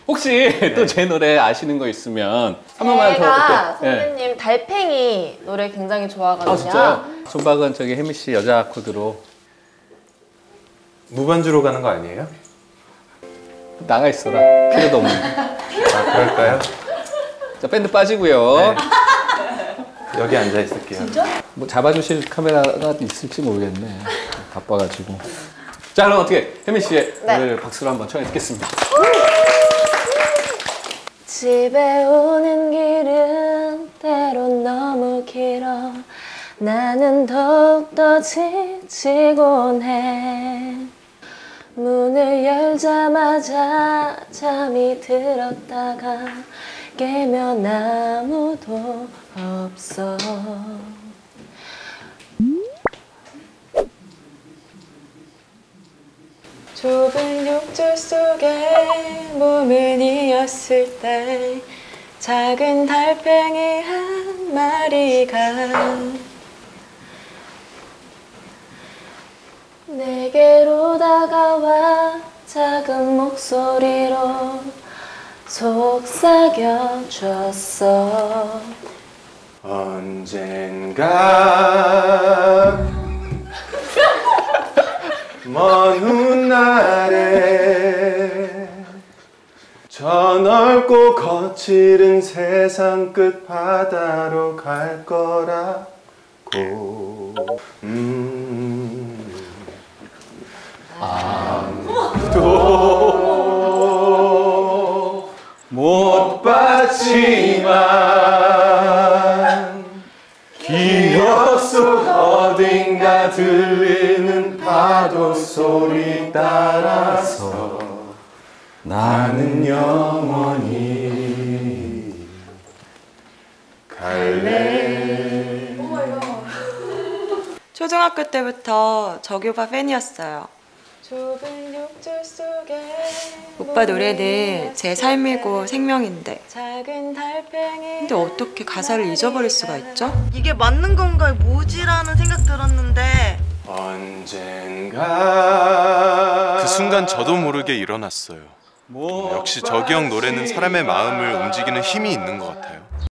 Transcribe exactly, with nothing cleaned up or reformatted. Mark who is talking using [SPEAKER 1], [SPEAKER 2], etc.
[SPEAKER 1] 혹시 또 제 노래 아시는 거 있으면 한 번만 더.
[SPEAKER 2] 제가
[SPEAKER 1] 네.
[SPEAKER 2] 선배님 달팽이 노래 굉장히 좋아하거든요.
[SPEAKER 1] 아 진짜요? 존박은 저기 혜미 씨 여자 코드로
[SPEAKER 3] 무반주로 가는 거 아니에요?
[SPEAKER 1] 나가 있어라. 필요도 없는.
[SPEAKER 3] 아, 그럴까요?
[SPEAKER 1] 자, 밴드 빠지고요.
[SPEAKER 3] 네. 여기 앉아 있을게요.
[SPEAKER 2] 진짜?
[SPEAKER 1] 뭐 잡아주실 카메라가 있을지 모르겠네. 바빠가지고. 자, 그럼 어떻게 혜미 씨의
[SPEAKER 2] 네.
[SPEAKER 1] 노래를 박수로 한번 청해 듣겠습니다.
[SPEAKER 2] 집에 오는 길은 때론 너무 길어. 나는 더욱더 지치곤 해. 문을 열자마자 잠이 들었다가 깨면 아무도 없어. 좁은 욕조 속에 몸을 이었을 때 작은 달팽이 한 마리가 내게로 다가와 작은 목소리로 속삭여줬어.
[SPEAKER 3] 언젠가 먼 훗날에 저 넓고 거칠은 세상 끝 바다로 갈 거라고. 음. 아무도 못 봤지만 기억 속 어딘가 들리는 파도 소리 따라서 나는 영원히 갈래.
[SPEAKER 4] 초등학교 때부터 저기 오빠 팬이었어요.
[SPEAKER 2] 좁은 욕조 속에
[SPEAKER 4] 오빠 노래는 제 삶이고 생명인데
[SPEAKER 2] 작은 달팽이
[SPEAKER 4] 근데 어떻게 가사를 잊어버릴 수가 있죠?
[SPEAKER 5] 이게 맞는 건가 뭐지라는 생각 들었는데
[SPEAKER 3] 언젠가
[SPEAKER 6] 그 순간 저도 모르게 일어났어요. 역시 저기 형 노래는 사람의 마음을 움직이는 힘이 있는 것 같아요.